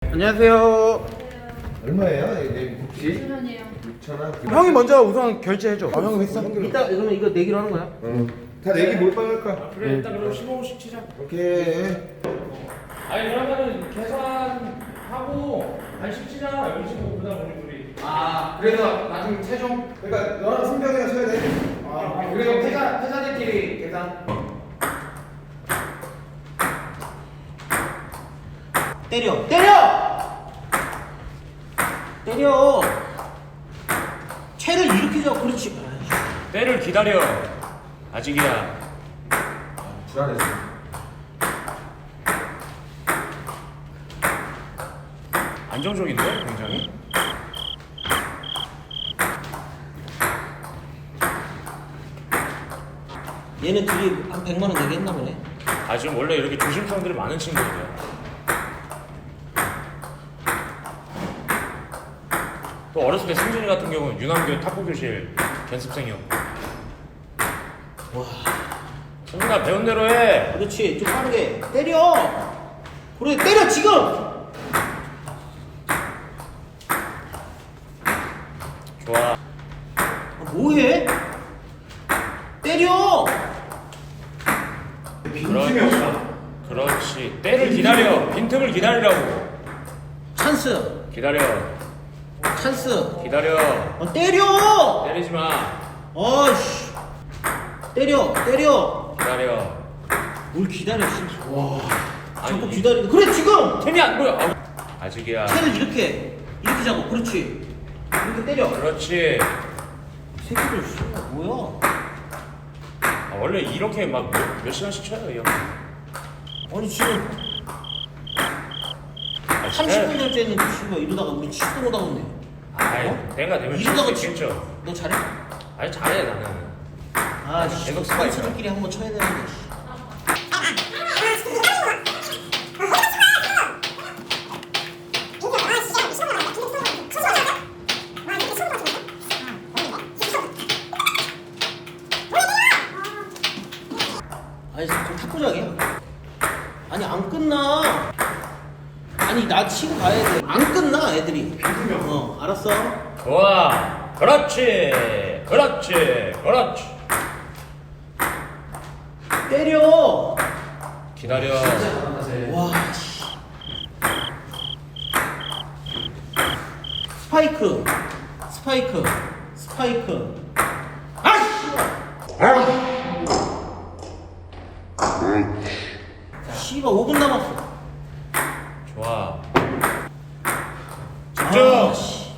안녕하세요. 얼마예요? 이게 굽시? 6,000원이에요. 6,000원? 형이 먼저 우선 결제해줘. 아, 형이 했어? 이따 그러면 이거 내기로 하는 거야? 다 내기 몰빵 할까? 그래 일단 그럼 15분씩 치자. 오케이. 아니 그러면은 계산하고 간식 치자. 여기 치고 그다음 우리 둘이. 아, 그래서 나중에 최종. 그러니까 너랑 승병이랑 쳐야 돼. 아, 그리고 회사들끼리 계산. 때려! 채를 이렇게 잡아. 그렇지. 때를 기다려. 아직이야. 불안했어. 안정적인데 굉장히. 얘네 둘이 한 100만 원 내게 했나 보네. 아 지금 원래 이렇게 조심성들이 많은 친구들이야. 또 어렸을 때 승진이 같은 경우는 윤환교 탁구교실 견습생이었고. 와. 승진아 배운 대로 해. 그렇지. 좀 빠르게. 때려! 그래, 때려, 지금! 좋아. 뭐해? 때려! 빈틈이 없다. 그렇지. 때를 기다려. 빈틈을 기다리라고. 찬스! 기다려. 찬스! 기다려. 때려! 때리지 마. 어이씨. 때려! 기다려. 뭘 기다려, 씨. 와. 자꾸 아니, 기다리고. 그래, 지금! 템이 안 보여. 아우. 아직이야. 채를 이렇게 잡고. 그렇지. 이렇게 때려. 그렇지. 이 새끼들, 씨. 뭐야? 아, 원래 이렇게 막 몇 시간씩 쳐요, 이 형. 아니, 지금. 아, 30분 결제했는데, 씨발, 이러다가 우리 치도 못 하겠네. 아이, 어? 내가 되면 이러다가 칠수 있겠죠. 너 잘해? 아니, 잘해, 나는. 아, 씨. 계속 스파이크. 선수들끼리 한번 쳐야 되는데, 씨. 아니, 좀 탁구장이야. 아니, 안 끝나. 아니, 나 치고 가야 돼. 안 끝나, 애들이. 알았어. 좋아. 그렇지. 때려. 기다려. 와, 씨. 스파이크. 아, 씨발, 5분 남았어. 좋아. 아, 집중. 씨.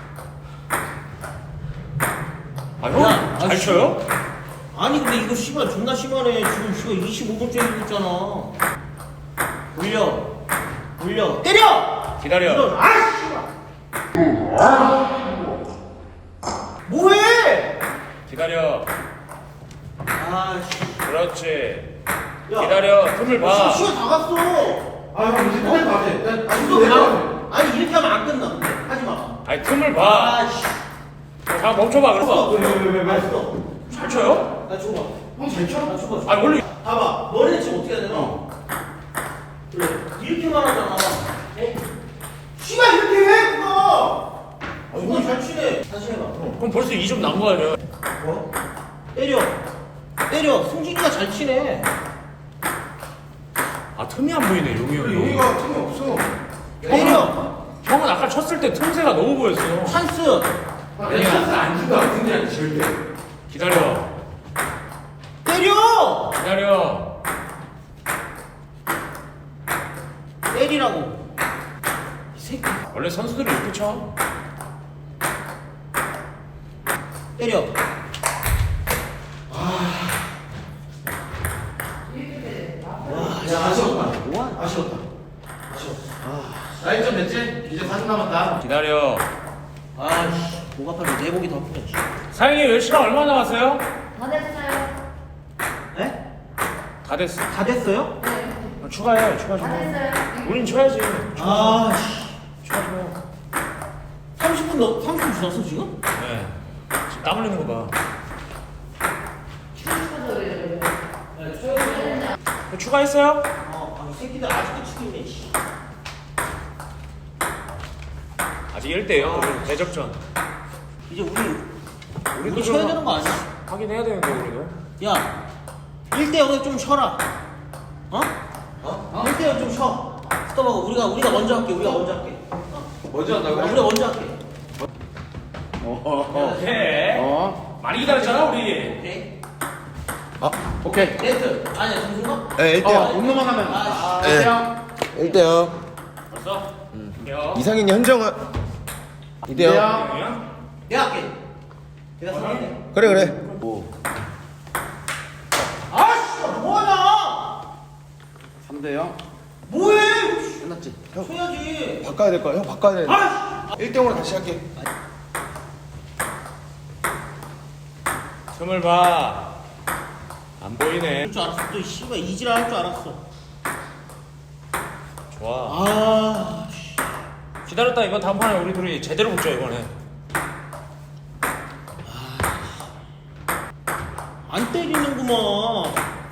아, 야, 형, 잘 아, 쳐요? 아니, 근데 이거 씨발 존나 심하네. 지금 씨발 25분째 이고 있잖아. 올려. 때려! 기다려. 이런, 아, 씨발. 뭐해? 기다려. 아, 씨. 그렇지. 야. 기다려. 틈을 봐. 시간 다 갔어. 아, 형 이제 빨리 가야 돼. 이거 가. 아니, 이렇게 하면 안 끝나. 근데 하지 마. 아니, 틈을 봐. 아, 씨. 자, 멈춰봐, 그래서. 왜? 알았어. 잘 쳐요? 나 줘봐. 형잘 쳐? 나 줘봐. 아니, 원래. 봐봐. 머리는 지금 어떻게 해야 되나? 그래. 이렇게만 하잖아. 씨발, 이렇게 해, 그거! 이거 잘 치네. 다시 해봐. 그럼 벌써 2점 난 거 아니야? 뭐? 때려. 승진이가 잘 치네. 아, 틈이 안 보이네, 용이 형이. 여기가 틈이 없어. 때려. 형은 아까 쳤을 때 틈새가 너무 보였어. 찬스. 아니야, 안 준다. 승진이 절대. 기다려. 때려. 기다려. 때리라고. 이 새끼. 원래 선수들은 이렇게 쳐. 때려. 야, 아쉬웠다. 뭐야? 아쉬웠다. 나이 점 됐지? 이제 40 남았다. 기다려. 아씨, 목 아파서 내복이 더 아프네. 사장님, 시간 얼마 남았어요? 다 됐어요. 네? 다 됐어. 다 됐어요? 네. 추가해, 추가 좀. 다 됐어요. 우린 쳐야지. 아씨. 추가 좀 해. 30분 지났어 지금? 네. 지금 땀 흘리는 거 봐. 추가했어요? 이 새끼들 아직도 치고 있네. 씨. 아직 1대0 대접전. 이제 우리 우리도 쳐야 좀 되는 거 아니야? 하긴 해야 되는데 우리도. 야 1대0에 좀 쉬어라. 어? 1대0 좀 쉬어. 스톱하고 우리가 먼저 할게. 우리가 먼저 할게. 먼저 한다고? 우리가 먼저 할게. 오케이. 많이 기다렸잖아 우리. 오케이. 오케이. 네트. 아니야 정순가? 네, 1대0. 못 넘어가면. 아, 네. 1대0. 벌써? 이상인 현정은 2대0. 내가 할게. 내가 상할게. 그래. 아씨 뭐하냐? 3대0. 뭐해? 끝났지? 형, 쳐야지. 바꿔야 될 거야. 형, 바꿔야 돼. 아씨. 1대0으로 다시 할게. 틈을 봐. 안 보이네. 할 줄 알았어. 또 씨발 이지랄 할 줄 알았어. 좋아. 아. 기다렸다. 이번 다음 판에 우리 둘이 제대로 붙자 이번에. 안 때리는구먼.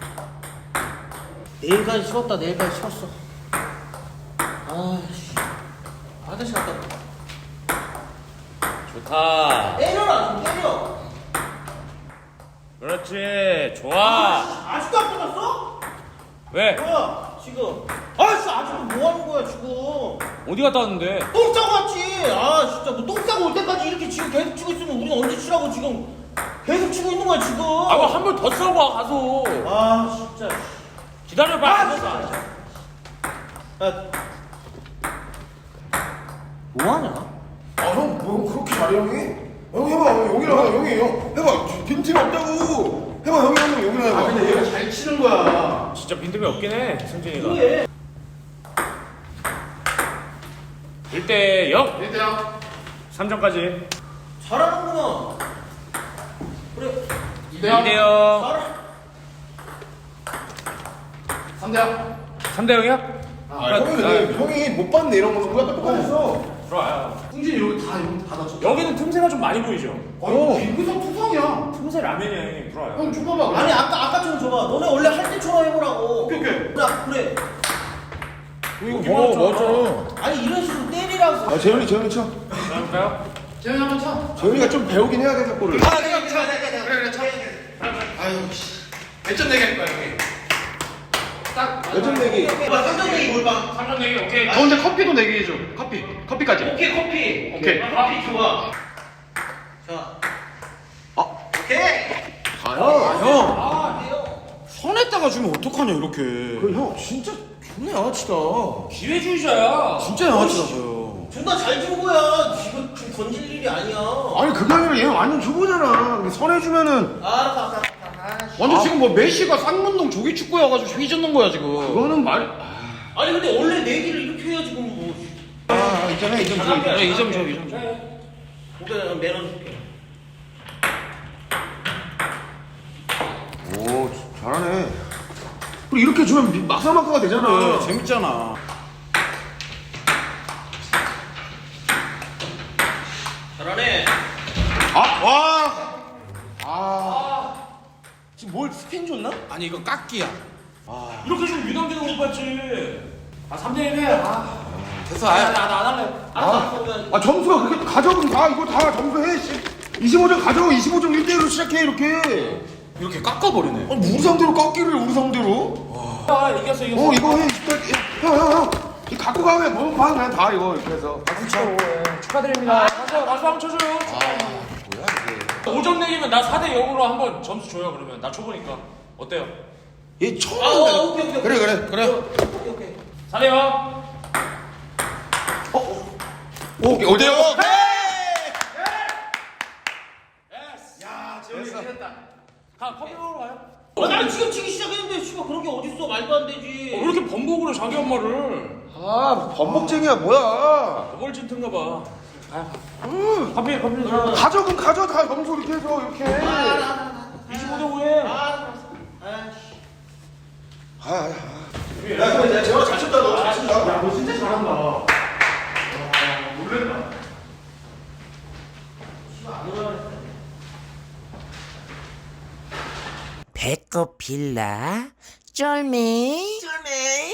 내일까지 쉬었다. 내일까지 쉬었어. 아씨. 아저씨 갔다. 좋다. 때려라 좀 때려. 그렇지. 좋아. 아직도 안 끝났어? 왜? 뭐야 지금? 아씨 아직도 뭐 하는 거야 지금? 어디 갔다 왔는데? 똥 싸고 왔지. 아 진짜 뭐 똥 싸고 올 때까지 이렇게 지금 계속 치고 있으면 우리는 언제 치라고 지금 계속 치고 있는 거야 지금. 아, 한 번 더 싸고 와 가서. 아 진짜. 기다려봐. 아, 진짜. 야. 뭐 하냐? 아, 형, 뭐 그렇게 잘해, 형이? 형, 해봐. 여기랑 하자, 형이. 형, 해봐. 빈틈이 없다고. 해봐, 형이 하면 여기랑 해봐. 근데 얘가 잘 치는 거야. 진짜 빈틈이 없긴 해, 승진이가. 그래. 1대0. 1대0. 3점까지. 잘하는구나. 그래. 2대0. 잘하. 3대0. 3대0이야? 형이 못 봤네, 이런 거는. 우리가 똑똑했어. 들어와요. 승진이 여기 다 다쳤어. 여기는 틈새가 좀 많이 보이죠? 빙구석 투성이야. 틈새 라면이야, 형님. 들어와요. 형, 줘봐봐. 아니 아까처럼 줘봐. 너네 원래 할 때처럼 해보라고. 오케이. 자 그래. 이거 먹었잖아. 아니 이런 식으로 때리라고. 아, 재현이 쳐. 그럴까요? 재현이 한번 쳐. 재현이가 좀 배우긴 해야 돼, 골을. 내가 쳐. 그래, 쳐. 아유, 씨. 몇 점 내기 할 거야, 형이? 딱. 몇점 내기? 쌍둥이 골방. 3점 내기, 오케이. 근데 커피도 내기 해줘. 커피까지. 오케이 커피. 오케이. 커피 좋아. 자. 오케이. 형. 아 돼요. 손에다가 주면 어떡하냐, 이렇게. 형, 진짜 존나 양아치다. 기회주의자야. 진짜 양아치라고요. 존나 잘 준 거야. 지금 좀 건질 일이 아니야. 아니, 그게 아니라 얘 완전 초보잖아. 근데 선해주면은. 알았어. 완전 지금 뭐 메시가 쌍문동 조기 축구여가지고 휘젓는 거야 지금. 그거는 말. 아니 근데 원래 내기를 이렇게 해야지 그럼 뭐. 있잖아, 2점 줘. 네, 2점 줘, 2점 줘. 오케이 매너 줄게. 오, 잘하네. 그리고 이렇게 주면 막사막사가 되잖아. 재밌잖아. 잘하네. 지금 뭘 스핀 줬나? 아니 이거 깎기야. 이렇게 좀 유난기도 못 봤지. 아, 3대1해. 아, 됐어. 나안 할래. 알았어. 점수가 그렇게 가져오면 다 이거 다 점수해. 25점 가져오. 25점 1대1로 시작해 이렇게. 이렇게 깎아버리네. 아니 우리 상대로 깎기를 우리 상대로. 아, 이겼어. 이거 해. 형. 이 갖고 가면 뭐 봐. 그냥 다 이거 이렇게 해서. 축하드립니다. 가서 한번 쳐줘요. 뭐야 이게. 5점 내기면 나 4대0으로 한번 점수 줘요, 그러면. 나 초보니까. 어때요? 얘 처음. 오케이. 그래. 오케이. 4대0. 오케이. 어때요? 야 재현이 잘했다. 커피 먹으러 가요. 난 지금 치기 시작했는데 씨발 그런 게 어딨어. 말도 안 되지. 왜 이렇게 번복을 해, 자기 엄마를. 아 범벅쟁이야 뭐야. 뭘 찐텐가 봐. 커피 가져금 가져 다 점수 이렇게 해서 이렇게. 25대 5에. 야 근데 재현아 잘 쳤다. 너 잘 친다. 너 진짜 잘한다. 놀랬다. 배꼽 빌라 쫄매